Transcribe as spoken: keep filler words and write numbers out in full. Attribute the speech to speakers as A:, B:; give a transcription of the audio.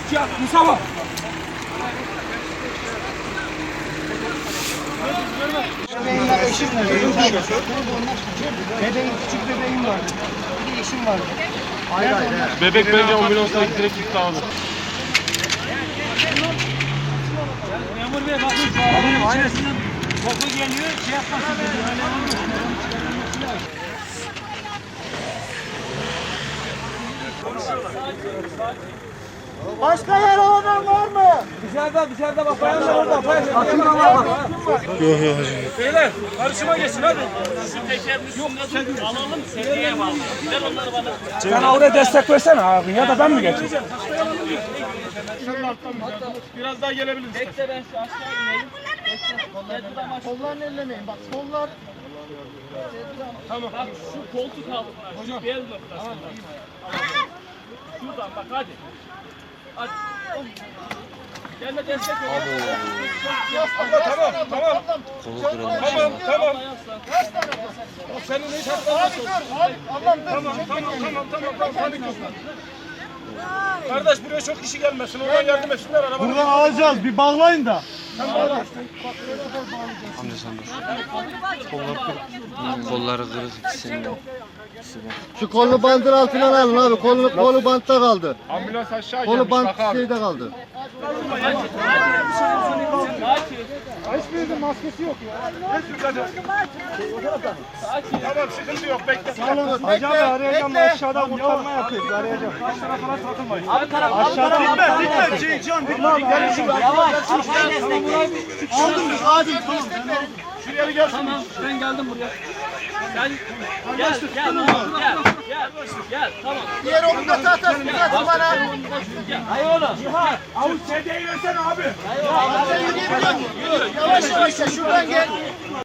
A: Ya Mustafa.
B: Bebeğimle eşim var. Bebeğim, küçük bebeğim var. Bir eşim var. Hayır hayır.
C: Bebek bence ambulansla direkt gitti abi.
A: Memur bey bakın şu adamın ailesinin koku geliyor. Şey yapmasın dedi.
B: Başka yer olan var mı?
A: Dışarıda dışarıda bak bayanlar orada. Bayanlar Beyler karşıma geçin hadi.
D: Şu tekerin üstünde alalım, sediye bağlı. Ver onları bana.
A: Sen oraya destek versene abi ya da ben mi geçeyim?
C: Biraz daha gelebilir misin?
D: Bekle ben şu aşağı ineyim.
B: Kollarını ellemeyin. Bak kollar.
D: Tamam. Bak şu koltuk altına, şu bel noktasına. Şuradan bak hadi. Hadi. Gelme destek ol.
C: Abla tamam tamam. Tamam tamam. O senin hiç hakkın
B: Abi dur. Abi ablam dur.
C: Tamam tamam tamam tamam tamam. Hadi kızım. Kardeş buraya çok kişi gelmesin. Oradan yardım etsinler arabana.
B: Buradan alacağız. Bir bağlayın da.
E: Amca sen dur. Kollar kırık. Kolları kırık ikisinin de.
F: Şu kolu bandın altından alın abi. Kolu, kolu bantta kaldı.
C: Ambulans aşağı
F: Kolu
C: gelmiş.
F: bant
C: Bak abi.
F: şeyde kaldı.
B: Hiçbirinizin maskesi yok ya.
C: Tamam sıkıntı yok. Bekle.
B: Hacı abi arayacağım. Aşağıdan kurtarma yapıyoruz. Arayacağım.
A: Aşağıda falan takılmayın.
D: Abi taraf, abi taraf.
B: Bitmez bitmez. Şey can bitmez.
D: Yavaş, arkaya destek ver.
B: Aldım biz hadi.
C: Şuraya bir gelsin.
D: Tamam, ben geldim buraya. Sen gel, gel, gel, gel, gel, tamam.
B: Diğer omuzda zaten biraz bana.
D: Hayır oğlum.
A: Avuç sedyeyi versene abi.
B: Yavaş yavaş şuradan gel.